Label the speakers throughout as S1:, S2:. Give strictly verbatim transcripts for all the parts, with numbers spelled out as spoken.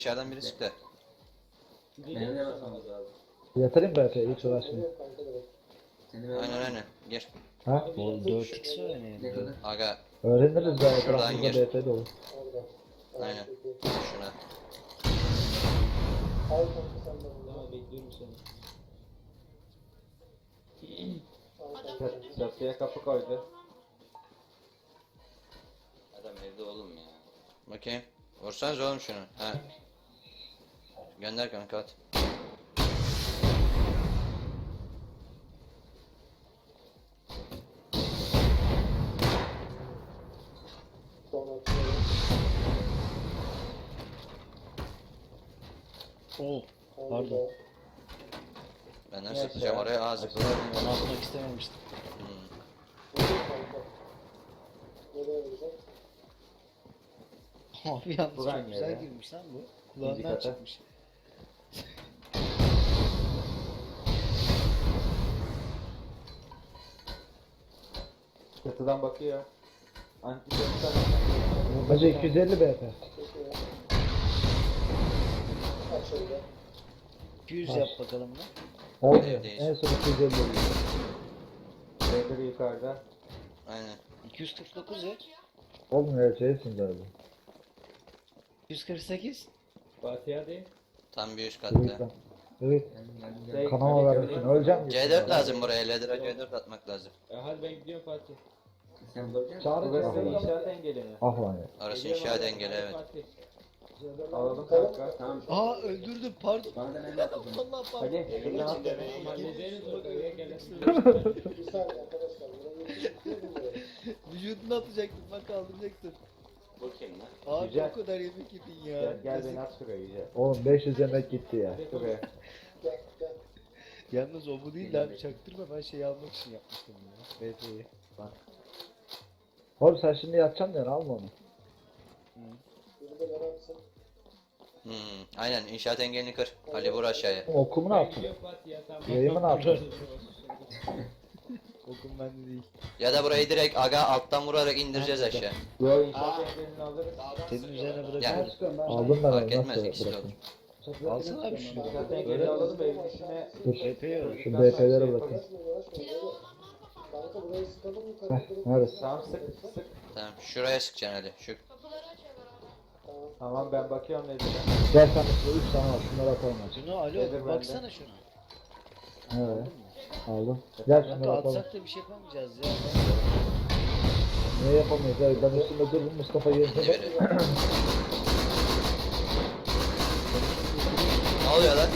S1: İçeriden biri sıktı.
S2: Benim de bakmamız lazım.
S3: Yatırayım B P'yi hiç uğraşmayayım.
S2: Seni ben
S1: Aynen aynen. Gir.
S3: Ha?
S4: Oğlum dört x var
S2: ne
S4: yani.
S2: kadar?
S1: Aga.
S3: Öğreniriz daha
S1: Şuradan
S3: etrafımızda
S1: gir.
S3: B P dolu.
S1: Aynen. Şuna.
S2: Tamam bekliyorum seni. Çatıya kapı koydu.
S1: Adam evde oğlum ya. Bakayım. Vursanız oğlum şunu. Ha. Gönder kanka at.
S4: Oh, pardon.
S1: Ben nasıl atacağım oraya ağzı.
S4: Ben atmak istememiştim.
S1: Hmm.
S4: Abi yalnız
S2: Buran
S4: çok güzel
S2: ya.
S4: girmiş lan bu.
S2: İkinci
S4: Kulağından
S2: kata.
S4: çıkmış.
S2: Çatıdan bakıyor. Anti
S3: Bence iki yüz elli B P.
S4: iki yüz yap bakalım lan.
S3: Olmuyor.
S1: Evdeyiz.
S3: En son iki yüz elli oluyor.
S2: Biri yukarıda.
S1: Aynen.
S4: iki yüz kırk dokuz ya.
S3: Olmuyor şeysin galiba.
S4: iki yüz kırk sekiz.
S2: Fatih hadi.
S1: Tam bir üst
S3: Evet
S1: katta.
S3: lan. Evet.
S2: Şey,
S3: Kanama
S2: hadi,
S3: vermişsin.
S2: hadi.
S3: Öleceğim.
S1: C dört lazım buraya. Ledra C dört atmak lazım.
S2: E, hadi ben gidiyorum Fatih. Sen bakacaksın.
S3: Çağrı
S2: Burası
S3: çağrı.
S2: inşaat engeli mi?
S3: Ah lan ya.
S1: Orası
S2: Geliyorum
S1: inşaat
S2: abi,
S1: engeli
S2: hadi
S1: evet.
S2: Fatih. Alalım kanka. Tamam.
S4: Aa öldürdüm pardon.
S2: Bana da ne yaptın?
S4: Allah pardon.
S2: Hadi. Şuradan at. Hallederiz bak oraya gelirsin.
S4: Vücuduna atacaktım bak kaldıracaktım.
S1: Bakayım lan.
S4: Abi
S2: Güzel.
S4: o kadar yemek yedin ya.
S2: Gel, gel beni at şuraya iyice.
S3: Oğlum beş yüz yemek gitti ya.
S2: Şuraya.
S4: Yalnız o bu değil de abi çaktırma ben şey almak için yapmıştım ya. B P'yi. Bak.
S3: Oğlum sen şimdi yatacaksın ya alma onu.
S1: Hmm. Aynen inşaat engelini kır. Ali vur aşağıya.
S3: Okumu ne yaptın? Yayımı ne yaptın?
S4: Okum bende değil.
S1: Ya da burayı direkt aga alttan vurarak indireceğiz aşağı.
S2: Yo inşaat engelini alırız.
S4: Senin üzerine
S1: Ya.
S4: bırakıyorum.
S3: Aldım ben
S1: Fark
S3: onu
S1: etmez
S3: nasıl
S1: ikisi de
S3: bırakayım?
S1: olur.
S4: Alsana abi şunu.
S2: İnşaat engelini alalım evin içine.
S3: Dur.
S4: B P'yi al.
S3: Şu B P'lere bırakayım. Heh, neresi?
S2: Tamam sık sık.
S1: Tamam şuraya sıkacaksın Ali. Şu.
S2: Tamam ben bakıyorum Nedir'e.
S3: Gel sen şurada üç tane var. Şunları atalım aç.
S4: Şunu alo
S2: Nedir bende?
S4: baksana şuna.
S3: Evet. Aldım. Gel şunları
S4: Kanka
S3: atalım.
S4: atsak da bir şey yapamayacağız ya.
S3: Niye yapamayız? Ya ben üstümde dururum Mustafa
S1: İndi
S3: yerine.
S1: biri. Ne oluyor lan?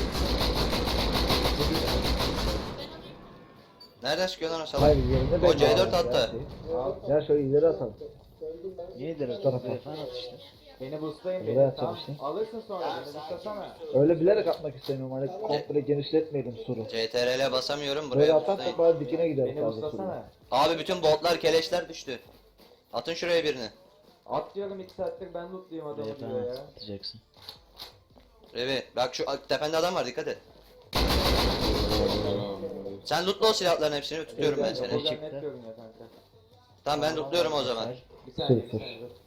S1: Nereden çıkıyor lan o salak?
S3: Hayır yerine ben
S1: O C dört
S3: de
S1: attı.
S2: Al.
S3: Gel şöyle ileri atalım.
S4: Niye direkt
S3: tarafa.
S4: telefon at işte.
S2: Beni boostlayın
S3: Oraya
S2: beni.
S3: atacağım
S2: Tamam.
S3: işte.
S2: Alırsın sonra beni boostlasana.
S3: Öyle bilerek atmak istemiyorum. Hani komple genişletmeyelim suru.
S1: C T R L'e basamıyorum
S3: Böyle
S1: buraya
S3: atarsak
S1: tutayım.
S3: bari dikine gider
S2: Beni
S3: fazla suru.
S2: boostlasana.
S1: Abi bütün botlar keleşler düştü. Atın şuraya birini.
S2: At diyorum iki saattir ben lootluyum adamı
S4: Telefon
S2: diyor ya.
S4: atacaksın.
S1: Revi bak şu tepende adam var dikkat et. Sen lootla o silahların hepsini tutuyorum ben seni.
S2: Buradan
S4: Çıktı.
S2: net görünüyor kanka.
S1: Tamam ben lootluyorum o zaman.
S2: Bir saniye
S3: Sır,
S2: bir
S3: sır.
S2: saniye dur.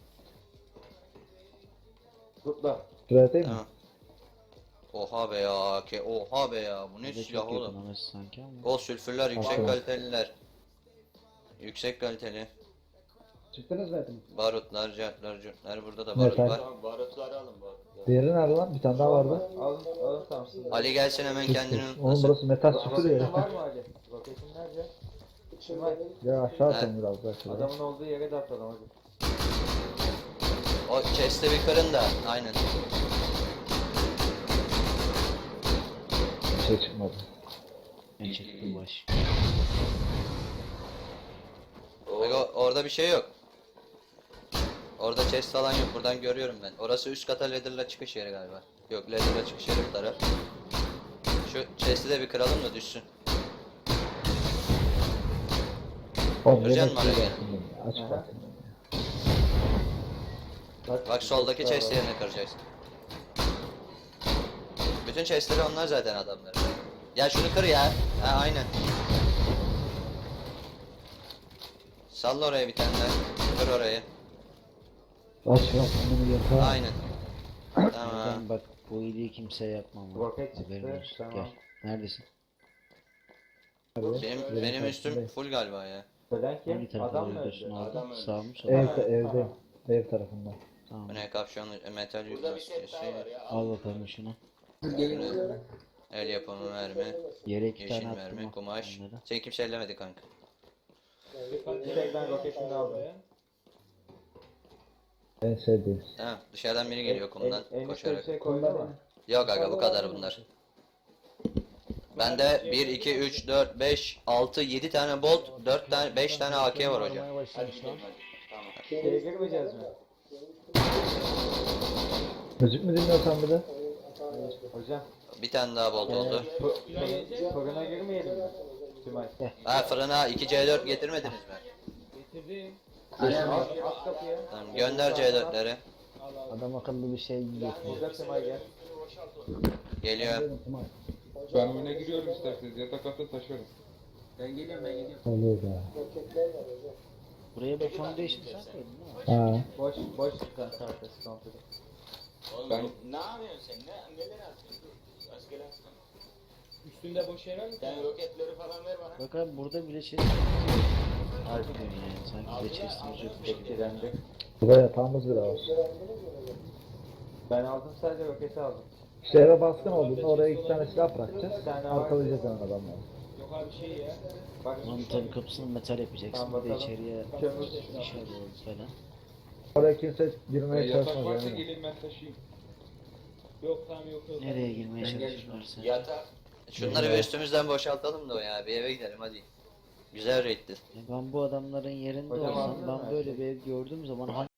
S2: Lootla.
S3: Şuraya atayım mı?
S1: Tamam. Oha be ya ke oha be ya bu ne
S4: Bir de
S1: silah
S4: çok
S1: oğlum.
S4: yakın orası sanki ama.
S1: Gol sülfürler yüksek
S3: Aferin.
S1: kaliteliler. Yüksek kaliteli.
S3: Çıktınız mı?
S1: Barutlar, cartlar, curtlar burada da
S3: Ne
S1: barut
S3: sen?
S1: var. Barutları alın barutları.
S3: Diğeri nerede lan? Bir tane daha vardı.
S2: Alın alın Thompson'ı.
S1: Ali gelsin hemen kendini
S3: Oğlum
S1: unutmasın.
S3: burası metal süpürüyor
S2: Roketin
S3: ya.
S2: var mı Ali? Roketin nerede? Kim var?
S3: Ya aşağı atalım biraz daha şuraya.
S2: Adamın olduğu yere de atalım hadi.
S1: O chest'i bir kırın da aynen.
S3: Bir şey çıkmadı.
S4: Ben çektim baş.
S1: Bak o- orada bir şey yok. Orada chest falan yok. Buradan görüyorum ben. Orası üst kata ladder'la çıkış yeri galiba. Yok ladder'la çıkış yeri bu taraf. Şu chest'i de bir kıralım da düşsün.
S3: Oğlum
S1: Göreceksin
S3: yemek
S1: mi
S3: şey
S1: araya?
S3: yaptım ben. Aç
S2: Aha.
S3: bakayım.
S1: Bak soldaki chest yerini kıracaksın. Bütün chest'leri onlar zaten adamlar. Ya şunu kır ya. Ha aynen. Salla oraya bir tane daha. Kır orayı.
S3: Aç ya. Bunu yatağa.
S1: Aynen. Tamam.
S4: Sen bak bu iyiliği kimseye yapmam. ha.
S2: Roket
S4: Haberin
S2: çıktı.
S4: olsun.
S2: Tamam.
S4: Gel. Neredesin?
S3: Abi,
S1: Benim
S3: benim
S1: benim üstüm
S3: tarafımdayım.
S1: full galiba ya.
S2: Ölen kim?
S4: Hangi tarafa
S2: Adam mı
S4: gidiyorsun
S2: öldü?
S4: abi? Sağ mı sol
S3: Ev,
S4: mu?
S3: evde. Ev tarafında.
S4: Tamam.
S1: Bu ne kapşonlu e, metal yüzbaşı şey.
S4: Al bakalım şunu.
S1: El yapımı mermi.
S4: Yere iki
S1: Yeşil
S4: tane
S1: mermi,
S4: attım. al
S1: kumaş.
S4: onları.
S1: Seni kimse ellemedi kanka.
S2: Bir tek ben roketini aldım.
S3: En sevdiğim.
S1: Tamam dışarıdan biri geliyor kumdan
S2: En, en
S1: koşarak.
S2: bir şey koydu mu?
S1: Yok aga bu kadar bunlar. Bende bir, iki, üç, dört, beş, altı, yedi tane bolt, dört tane, beş tane A K var hocam.
S4: Aramaya başlamış lan.
S2: Şeye girmeyeceğiz mi?
S3: Müzik mi dinliyorsan bir de?
S2: Hocam.
S1: Bir tane daha bolt oldu.
S2: Fı- şey, fırına girmeyelim mi? Tümay.
S1: Ha fırına iki C dört getirmediniz mi?
S2: Aç, aç kapıyı.
S1: Tamam gönder C dörtleri.
S4: Adam akıllı bir şey yapıyor.
S2: Burada Tümay gel.
S1: Geliyor.
S5: Ben oyuna giriyorum isterseniz. Yatak atın taşıyorum.
S3: Oluyor ya.
S4: Buraya bir foundation sen koydun değil mi?
S3: Ha.
S2: Boş, boş sen arkası komple.
S5: Ben
S6: Ne yapıyorsun sen? Ne, neler yapıyorsun? Dur, askere atma.
S7: Üstünde boş yer var mı?
S6: Sen roketleri falan ver bana.
S4: Bak abi burada bile chest Harbiden yani sanki bile chestimiz yokmuş gibi.
S2: Etkilendi.
S3: Burada yatağımız bile var.
S2: Ben aldım sadece roketi aldım.
S3: İşte eve baskın olduğunda oraya iki tane silah bırakacağız.
S2: Bir tane var.
S3: Arkalayacağız hemen adamları.
S7: Yok abi şey ya.
S2: Bak
S4: Onun tabii kapısını metal yapacaksın.
S2: Tamam,
S4: Bir de
S2: bakalım.
S4: içeriye
S2: kömür.
S4: iş arıyoruz falan.
S3: Oraya kimse
S5: e,
S3: girmeye
S5: yatak
S3: çalışmaz
S5: varsa
S3: eminim.
S5: gelin ben taşıyayım.
S7: Yok tamam yok yok.
S4: Nereye girmeye çalışıyorlarsa.
S6: Yatak.
S1: Şunları bir üstümüzden boşaltalım da o ya. Bir eve gidelim hadi. Güzel raid'ti.
S4: Ben bu adamların yerinde
S2: Hocam
S4: olsam
S2: anladın mı
S4: ben
S2: her
S4: böyle
S2: şeyi?
S4: bir ev gördüğüm zaman